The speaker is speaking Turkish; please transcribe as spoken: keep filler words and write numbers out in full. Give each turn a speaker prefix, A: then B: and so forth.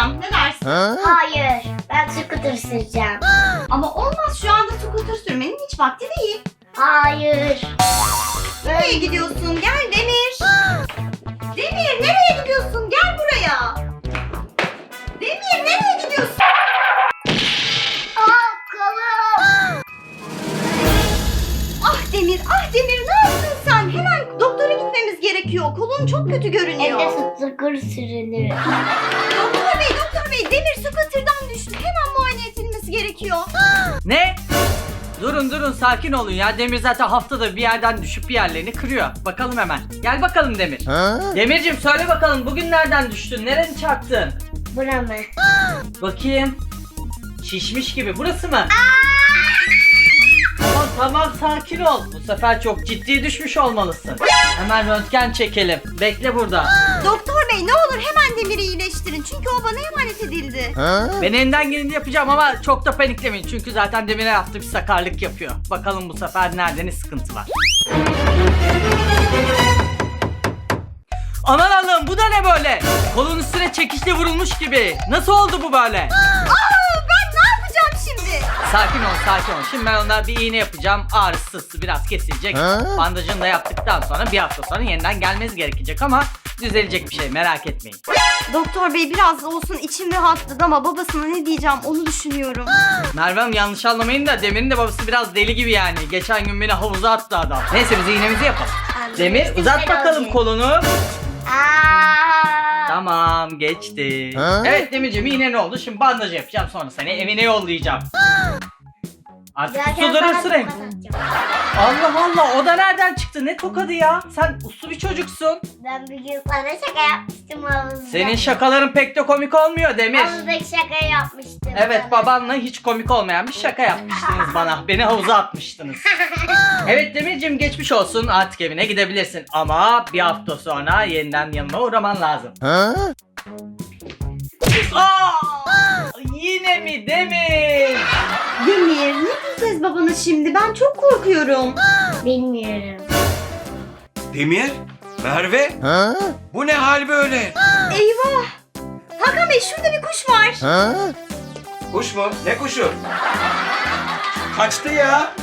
A: süreceğim. Ne dersin?
B: Hayır. Ben scooter süreceğim.
A: Ama olmaz, şu anda scooter sürmenin hiç vakti değil.
B: Hayır.
A: Nereye gidiyorsun? Gel Demir. Demir nereye gidiyorsun? Gel buraya. Demir nereye gidiyorsun?
B: Aa, kolum.
A: Ah Demir, ah Demir, ne yaptın sen? Hemen doktora gitmemiz gerekiyor. Kolun çok kötü görünüyor.
B: Evde scooter sürülür.
A: Doktor bey, doktor bey, Demir scooter'dan düştü. Hemen muayene edilmesi gerekiyor.
C: Ne? Durun durun, sakin olun ya. Demir zaten haftada bir yerden düşüp bir yerlerini kırıyor. Bakalım hemen. Gel bakalım Demir. Demircim söyle bakalım, bugün nereden düştün? Nereni çarptın?
B: Bura mı?
C: Bakayım. Şişmiş gibi. Burası mı? Tamam tamam, sakin ol. Bu sefer çok ciddi düşmüş olmalısın. Hemen röntgen çekelim. Bekle burada.
A: Doktor bey, ne olur hemen Demir'i iyileştirin. Çünkü o bana emanet edildi.
C: Ben elinden geleni yapacağım ama çok da paniklemeyin. Çünkü zaten Demir'e yaptığı bir sakarlık yapıyor. Bakalım bu sefer nerede ne sıkıntı var. Aman Allah'ım, bu da ne böyle? Kolun üstüne çekişle vurulmuş gibi. Nasıl oldu bu böyle?
A: Aa, ben ne yapacağım şimdi?
C: Sakin ol sakin ol. Şimdi ben ona bir iğne yapacağım. Ağrısı sızsı biraz kesilecek. Bandajını da yaptıktan sonra bir hafta sonra yeniden gelmeniz gerekecek ama düzelecek bir şey, merak etmeyin.
A: Doktor bey, biraz da olsun içim rahatladı ama babasına ne diyeceğim onu düşünüyorum.
C: Merve Hanım, yanlış anlamayın da Demir'in de babası biraz deli gibi yani. Geçen gün beni havuza attı adam. Neyse biz iğnemizi yapalım.
B: Anladım.
C: Demir uzat
B: Güzel
C: bakalım
B: olacak.
C: kolunu.
B: Aa.
C: Tamam, geçti. Evet Demirciğim, iğne ne oldu? Şimdi bandaj yapacağım, sonra seni evine yollayacağım. Artık
B: Giderken
C: uslu
B: sana
C: durursun.
B: tokat atacağım.
C: Allah Allah, o da nereden çıktı? Ne tokadı ya? Sen uslu bir çocuksun.
B: Ben bir gün sana şaka yapmıştım havuzda.
C: Senin şakaların pek de komik olmuyor Demir.
B: Havuzdaki şaka yapmıştım.
C: Evet,
B: sana.
C: babanla hiç komik olmayan bir şaka yapmıştınız bana. Beni havuza atmıştınız. Evet Demirciğim, geçmiş olsun. Artık evine gidebilirsin. Ama bir hafta sonra yeniden yanıma uğraman lazım. Aa! Yine mi Demir?
A: Demir, ne diyeceğiz babana şimdi? Ben çok korkuyorum.
B: Bilmiyorum.
D: Demir, Merve, bu ne hal böyle?
A: Eyvah! Hakan bey, şurada bir kuş var.
D: Kuş mu? Ne kuşu? Kaçtı ya.